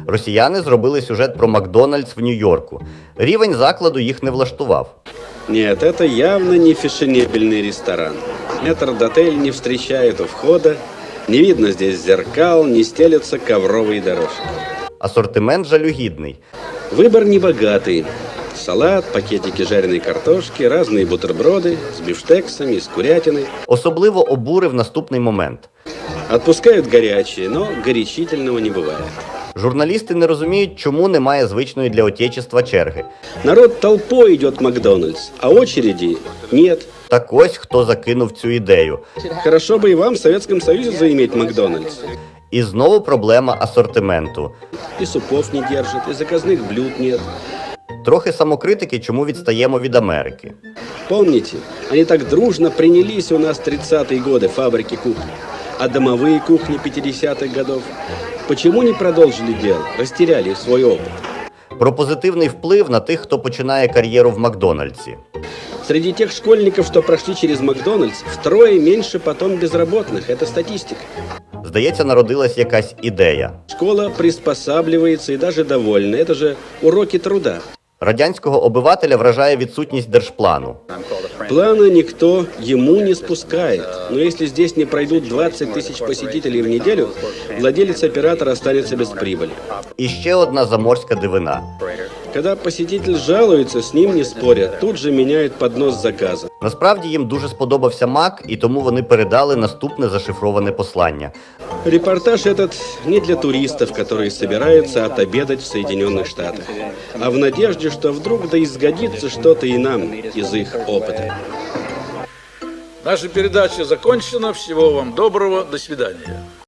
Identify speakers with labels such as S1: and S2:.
S1: Росіяни зробили сюжет про Макдональдс в Нью-Йорку. Рівень закладу їх не влаштував.
S2: Нет, это явно не фешенебельный ресторан. Метрдотель не встречает у входа, не видно здесь зеркал, не стелятся ковровые дорожки.
S1: Асортимент жалюгідний.
S2: Выбор небогатый. Салат, пакетики жареной картошки, разные бутерброды с бифштексами, с курятиной.
S1: Особливо обурив наступний момент.
S2: Отпускают горячее, но горячительного не бывает.
S1: Журналісти не розуміють, чому немає звичної для отечества черги.
S2: Народ толпой идет в Макдональдс, а очереди нет.
S1: Так ось хто закинув цю ідею.
S2: Хорошо бы и вам в Советском Союзе заиметь Макдональдс.
S1: І знову проблема асортименту.
S2: И супов не держат, и заказных блюд нет.
S1: Трохи самокритики, чому відстаємо від Америки.
S2: Помните, они так дружно принялись у нас 30-е годы фабрики кухни, а домовые кухни 50-х годов. Почему не продолжили дело, растеряли свой опыт?
S1: Про позитивний вплив на тих, хто починає кар'єру в Макдональдсі.
S2: Среди тех школьников, что прошли через Макдональдс, втрое меньше потом безработных. Это статистика.
S1: Здається, народилась якась ідея.
S2: Школа приспосабливается и даже довольна. Это же уроки труда.
S1: Радянського обивателя вражає відсутність держплану.
S2: Плана никто ему не спускает. Но если здесь не пройдут 20 тысяч посетителей в неделю, владелец оператора останется без прибыли.
S1: І ще одна заморська дивина.
S2: Когда посетитель жалуется, с ним не спорят, тут же меняют поднос заказа.
S1: Насправді їм дуже сподобався Мак, і тому вони передали наступне зашифроване послання.
S2: Репортаж этот не для туристов, которые собираются отобедать в Соединенных Штатах, а в надежде, что вдруг да изгодится что-то и нам из их опыта.
S3: Наша передача закончена. Всего вам доброго. До свидания.